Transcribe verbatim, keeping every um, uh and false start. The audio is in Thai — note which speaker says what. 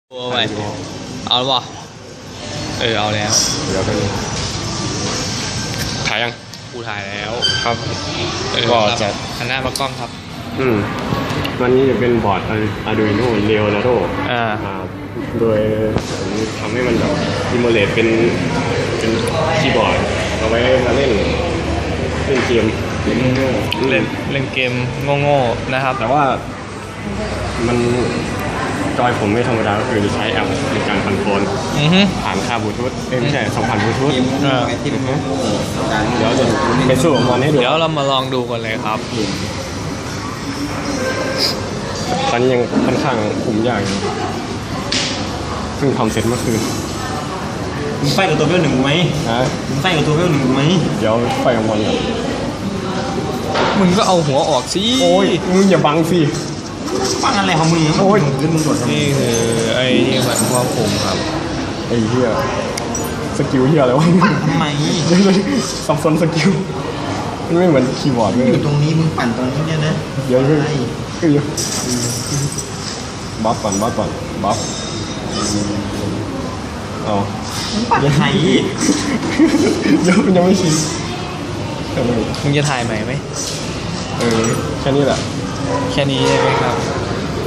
Speaker 1: โอ้ไปเอาแล้วป่ะเออเอาแล้ว
Speaker 2: เดี๋ยวกันถ่ายยัง
Speaker 1: กูถ่ายแล้ว
Speaker 2: ครับ
Speaker 1: เออ
Speaker 2: ก็จะ
Speaker 1: หันหน้ามากล้องครับ
Speaker 2: อืมวันนี้จะเป็นบอร์ด Arduino Leonardo
Speaker 1: อ่า
Speaker 2: อ่าโดยผมทำให้มันแบบอิม u เลตเป็นเป็นคีย์บอร์ดเอาไว้มาเล่นเล่นเกมเล่นโง่ๆ
Speaker 1: เล่นเล่นเกมโง่ๆนะครับ
Speaker 2: แต่ว่ามันจอยผมไม่ธรรมดาก็คือใช้แอปในการคอนโทรล
Speaker 1: อือฮึ
Speaker 2: ผ่านคาบลูทูธเอ้ยไม่ใช่สองผ่านบลูทูธ
Speaker 1: อ่า
Speaker 2: เดี๋ยวจะไปสู้กับมันให้ดู
Speaker 1: เดี๋ยวเรามาลองดูกันเลยครับ
Speaker 2: ตอนนี้ยังค่อนข้างคุมยากอยู่เพิ่งทำเสร็จเมื่อคืน
Speaker 3: มึงไฟกับตัวเวลหนึ่งกูไหม
Speaker 2: นะ
Speaker 3: มึงไฟกับตัวเวลหนึ่งกูไหม
Speaker 2: เดี๋ยวไฟกับมันก่อน
Speaker 1: มึงก็เอาหัวออกสิ
Speaker 2: โอ้ยมึงอย่าบังสิ
Speaker 3: ฟังอะไรของมึง
Speaker 2: โอ้ย
Speaker 3: ขึ้นมึงโดดทำไม
Speaker 1: นี่คือไอ้ที่มันควบคุมครับ
Speaker 2: ไอ้เหี้ยสกิลเหี้ยอะไรวะ
Speaker 3: ทำไม
Speaker 2: เดี๋ยวๆสับสนสกิลมันไม่เหมือนคีย์บอร์ดเลย
Speaker 3: อยู่ตรงนี้มึงปั่นตรงนี้เนี่ยนะ
Speaker 2: เดี๋ยว
Speaker 3: ใช่
Speaker 2: เฮ้ยบัฟก่อนบัฟก่อนบัฟเอา
Speaker 3: มึงปั่นไทย
Speaker 2: เดี๋ยวมันยังไม่ชินเออ
Speaker 1: มึงจะถ่ายใหม่ไหม
Speaker 2: เออแค่นี้แหละ
Speaker 1: แค่นี้ใช่ไหมครับ